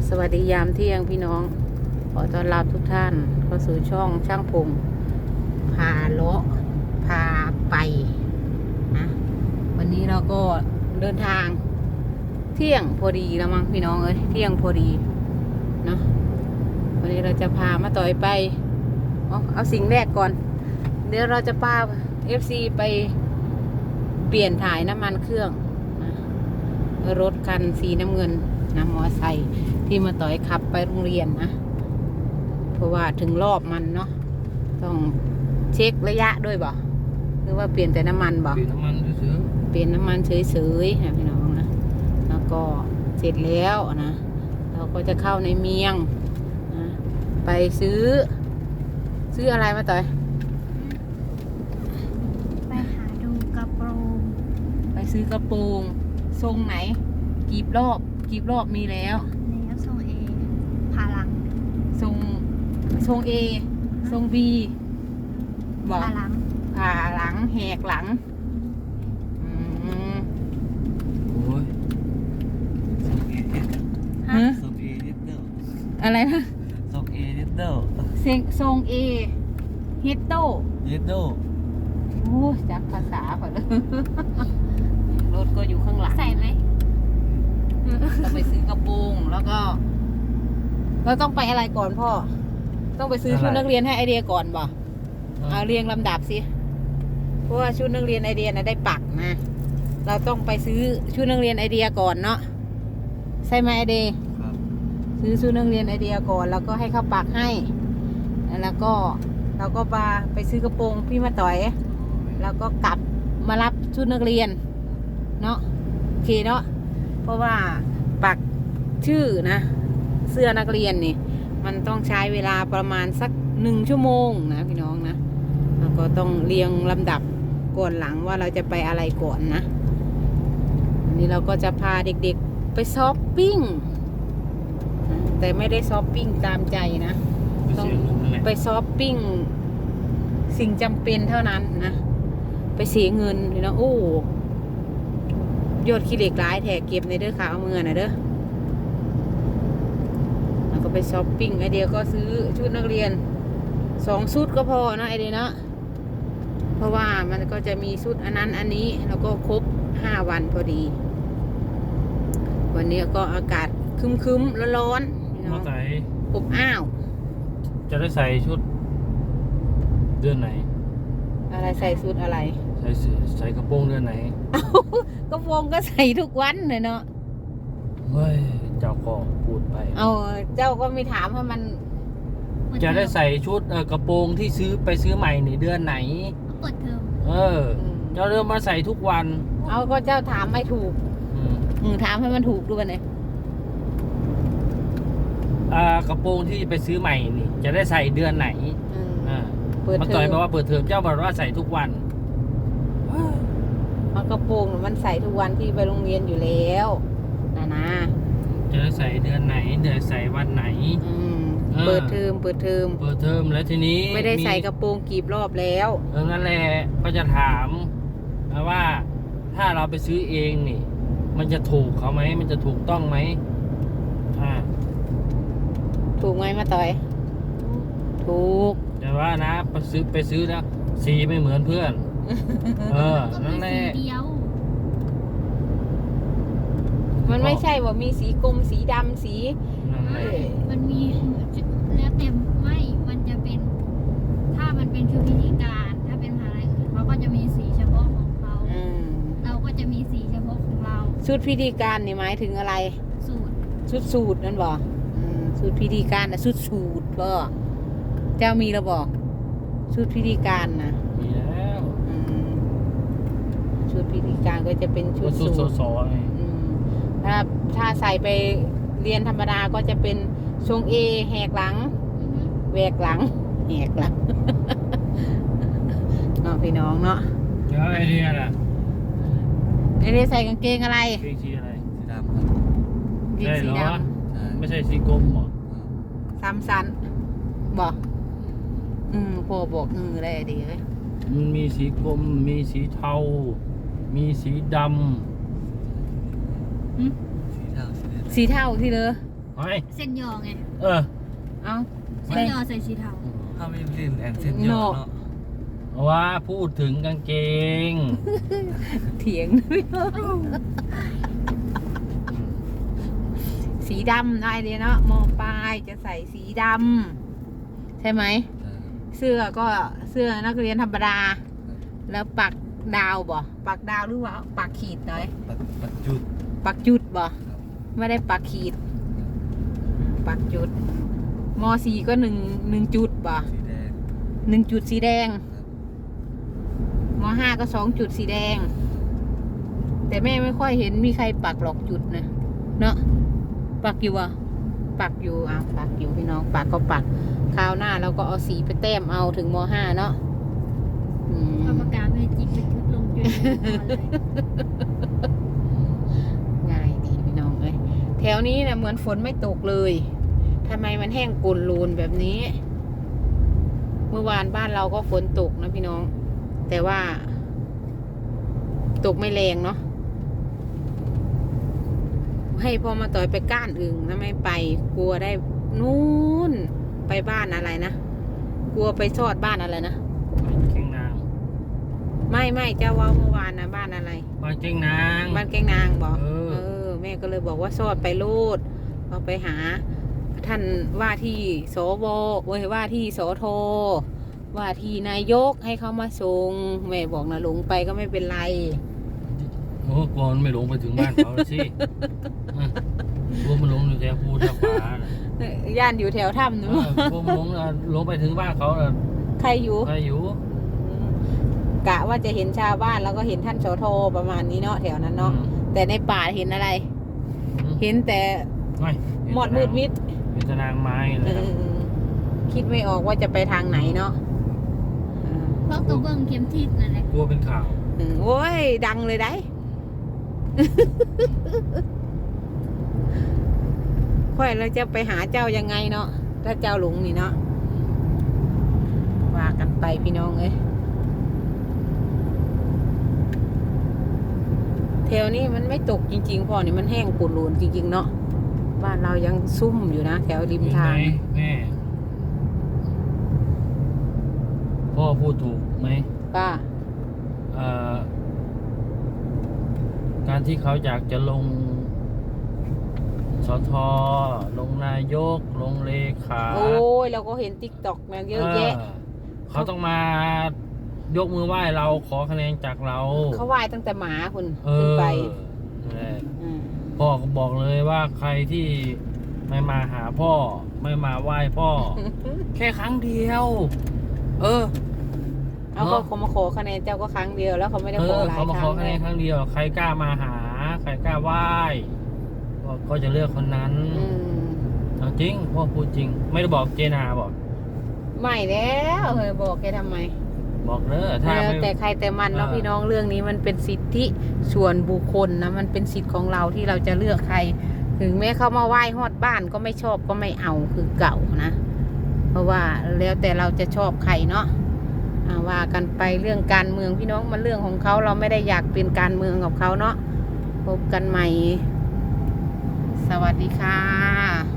สวัสดียามเที่ยงพี่น้องขอต้อนรับทุกท่านเข้าสู่ช่องช่างพงพาเลาะพาไปนะวันนี้เราก็เดินทางเที่ยงพอดีแล้วมั้งพี่น้องเอ้ยเที่ยงพอดีเนาะวันนี้เราจะพามาต่อยไปเอาสิ่งแรกก่อนเดี๋ยวเราจะพา FC ไปเปลี่ยนถ่ายน้ำมันเครื่องนะรถคันสีน้ำเงินนะมอไซค์ที่มาต่อยขับไปโรงเรียนนะเพราะว่าถึงรอบมันเนาะต้องเช็คระยะด้วยบ่หรือว่าเปลี่ยนแต่น้ำมันบ่เปลี่ยนน้ำมันซื้อเปลี่ยนน้ำมันเฉยๆนะพี่น้องนะแล้วก็เสร็จแล้วนะเราก็จะเข้าในเมียงนะไปซื้ออะไรมาต่อยไปหาดูกระโปรงไปซื้อกระโปรงทรงไหนกีบรอบมีแล้วแล้วทรงเอผ่าหลังทรงA ทรง B บอกผ่าหลังผ่าหลังแหกหลังโอ้ยส่งเอนิดฮะส่งเอนิดเดียวอะไรนะส่งเอนิดเดียวทรง A เฮดโตนิดเดียวโอ้จักภาษาก่อนเลย รถก็อยู่ข้างหลังใส่ไหมเราไปซื้อกระโปรงแล้วก็เราต้องไปอะไรก่อนพ่อต้องไปซื้อชุดนักเรียนให้ไอเดียก่อนบ่เอาเรียงลำดับสิเพราะว่าชุดนักเรียนไอเดียนะได้ปักนะเราต้องไปซื้อชุดนักเรียนไอเดียก่อนเนาะใช่ไหมไอเดียครับซื้อชุดนักเรียนไอเดียก่อนแล้วก็ให้เขาปักให้แล้วก็เราก็ไปซื้อกระโปรงพี่มาต่อยแล้วก็กลับมารับชุดนักเรียนเนาะโอเคเนาะเพราะว่าปักชื่อนะเสื้อนักเรียนนี่มันต้องใช้เวลาประมาณสัก1 ชั่วโมงนะพี่น้องนะแล้วก็ต้องเรียงลำดับก่อนหลังว่าเราจะไปอะไรก่อนนะวันนี้เราก็จะพาเด็กๆไปช้อปปิ้งแต่ไม่ได้ช้อปปิ้งตามใจนะต้องไปช้อปปิ้งสิ่งจำเป็นเท่านั้นนะไปเสียเงินพี่น้องโอ้ยอดขี้เหล็กหลายแถกเก็บในเด้อค่ะเอาเงินนะเด้อแล้วก็ไปช้อปปิ้งไอเดียก็ซื้อชุดนักเรียน2 ชุดก็พอนะไอเดียนะเพราะว่ามันก็จะมีชุดอันนั้นอันนี้แล้วก็ครบ5 วันพอดีวันนี้ก็อากาศครึ้มๆร้อนๆพี่น้มาองใส่อบอ้าวจะได้ใส่ชุดเดือนไหนอะไรใส่ชุดอะไรใส่กระโปรงเดือนไหนกระโปรงก็ใส่ทุกวันเลยเนาะเฮ้ยเจ้าก็พูดไปเอาเจ้าก็ไม่ถามให้มันจะได้ใส่ชุดกระโปรงที่ไปซื้อใหม่ในเดือนไหนเปิดเทอมเจ้าเริ่มมาใส่ทุกวันเอาก็เจ้าถามไม่ถูก ถามให้มันถูกด้วยเนี่ยกระโปรงที่ไปซื้อใหม่นี่จะได้ใส่เดือนไหนเปิดมาเทต่ออยมบอกว่าเปิดเทอมเจ้าบอกว่าใส่ทุกวันเอากระโปรงมันใส่ทุกวันที่ไปโรงเรียนอยู่แล้วนะจะได้ใส่เดือนไหนเดือนใส่วันไหนเปิดเทอมเปิดเทอมแล้วทีนี้ไม่ได้ใส่กระโปรงกีบรอบแล้วนั่นแหละก็จะถามว่าถ้าเราไปซื้อเองนี่ มันจะถูกเขาไหมมันจะถูกต้องไหมถูกไหมมาต่อย ถูกแต่ว่านะไปซื้อแล้วสีไม่เหมือนเพื่อนก็นั่มีนแหสีละเดียวมันไม่ใช่ว่ามีสีกรมสีดำสีนั่นแหละมันมีแล้วเต็มไม่มันจะเป็น ถ้ามันเป็นชุดพิธีการถ้าเป็นมหาลัยอื่นเขาก็จะมีสีเฉพาะของเขาเราก็จะมีสีเฉพาะของเราชุดพิธีการนี่หมายถึงอะไรสูตรชุดสูตรนั่นบ่ชุดพิธีการนะชุดสูตรบ่เจ้ามีแล้วบอกชุดพิธีการนะมีแล้วชุดพิธีการก็จะเป็นชุก็ดสุสูดตรสอไงถ้าใส่ไปเรียนธรรมดาก็จะเป็นทรงเอแหกหลังแหวกหลังแหกหลัง เนาะพี่น้องเนาะแล้วไอเดียล่ะไอเดียใส่กางเกงอะไรเพลงสีอะไรสีดำครับกางเกงสีดใช่ไม่ใช่สีกลมหรอำซ้ำซันบอกพ่อบอกได้ดีเลยมันมีสีกลมมีสีเทา มีสีดำสีเทาสีแดงสีเทาที่เลยอเฮ้ยเส้นยอไงเออเอาเส้นยอใส่สีเทาถ้าไม่เล่นแอนเซนยอเนาะว่าพูดถึงกางเกงเถียงสีดำได้เลยเนาะมอปลายจะใส่สีดำใช่ไหม เสื้อก็เสื้อนักเรียนธรรมดา แล้วปักดาวบ่ปักดาวหรือว่าปักขีดหน่อยปัจจุดปักจุดบ่ไม่ได้ปักขีด ปักจุดมสี่ก็หนึ่งจุดบ่สีแดง 1 จุดสีแดงม5ก็2 จุดสีแดง แต่แม่ไม่ค่อยเห็นมีใครปักหรอกจุดนะเนาะปักอยู่อ่ะปักอยู่ปักอยู่พี่น้องปักก็ปักคราวหน้าเราก็เอาสีไปแต้มเอาถึงม5เนาะเอาปากกาเมจิกเป็นชุดลงจุดเลยง่ายดีพี่น้องเอ้ยแถวนี้นะเหมือนฝนไม่ตกเลยทำไมมันแห้งกุนลูนแบบนี้ เมื่อวานบ้านเราก็ฝนตกนะพี่น้อง แต่ว่า ตกไม่แรงเนาะให้พ่อมาต่อยไปก้านอึ่งนะไม่ไป กลัวได้นู่นไปบ้านอะไรนะกลัวไปทอดบ้านอะไรนะเก่งนางไม่เจ้าว่าเมื่อวานนะบ้านอะไรบ้านเก่งนางบ้านแกงนางบอกเออแม่ก็เลยบอกว่าซอดไปโลดเราไปหา ท่านว่าที่สวว่าที่สทว่าที่นายกให้เขามาส่งแม่บอกนะหลงไปก็ไม่เป็นไรโอ้กลัวมันไม่ลงไปถึงบ้านเขาแล้วสิกลัวมันลงอยู่แถวภูทับฟ้าน่ะย่านอยู่แถวถ้ำนู้นกลัวมันลงไปถึงบ้านเขาน่ะใครอยู่ใครอยู่กะว่าจะเห็นชาวบ้านแล้วก็เห็นท่านสทประมาณนี้เนาะแถวนั้นเนาะแต่ในป่าเห็นอะไร เห็นแต่ไม่หมดมืดมิดเป็นตะนางไม้เลยครับคิดไม่ออกว่าจะไปทางไหนเนาะเพราะกระเบื้องเข็มทิศนั่นแหละกลัวเป็นข่าวโอ้ยดังเลยได้ ค่อยเราจะไปหาเจ้ายังไงเนาะถ้าเจ้าหลงนี่เนาะว่ากันไปพี่น้องเอ้ยแถวนี้มันไม่ตกจริงๆพ่อนี่มันแห้งปูนลูนจริงๆเนาะบ้านเรายังซุ่มอยู่นะแถวริมเห็นทาไหมงแม่พ่อพูดถูกไหมป้าการที่เขาอยากจะลงสทลงนายกลงเลขาโอ้ยเราก็เห็นติ๊กต็อกมาเยอะแยะเขาต้องมายกมือไหว้เราขอคะแนนจากเราเขาไหว้ตั้งแต่หมาคุณเอขึ้นอไปนั่นแหละมพ่อก็บอกเลยว่าใครที่ไม่มาหาพ่อ ไม่มาไหว้พ่อ แค่ครั้งเดียว เออเอาก็เขามาขอคะแนนเจ้าก็ครั้งเดียวแล้วเขาไม่ได้ขอหลายเขามาคขรั้อง คะแนนครั้งเดียว ใครกล้ามาหา ใครกล้าไหว้ก็จะเลือกคนนั้นอืมเอาจริงพ่อพูดจริง ไม่ได้บอกเจนาบอกไม่แล้วเฮ้ยบอกแกทำไมบอกเนอะถ้าแล้วไม่แต่ใครแต่มันเนาะเออพี่น้องเรื่องนี้มันเป็นสิทธิส่วนบุคคลนะมันเป็นสิทธิ์ของเราที่เราจะเลือกใคร ถึงแม้เขามาไหว้ฮอดบ้านก็ไม่ชอบก็ไม่เอาคือเก่านะ เพราะว่าแล้วแต่เราจะชอบใครเนาะว่ากันไปเรื่องการเมืองพี่น้องมันเรื่องของเขาเราไม่ได้อยากเป็นการเมืองกับเขาเนาะพบกันใหม่ สวัสดีค่ะ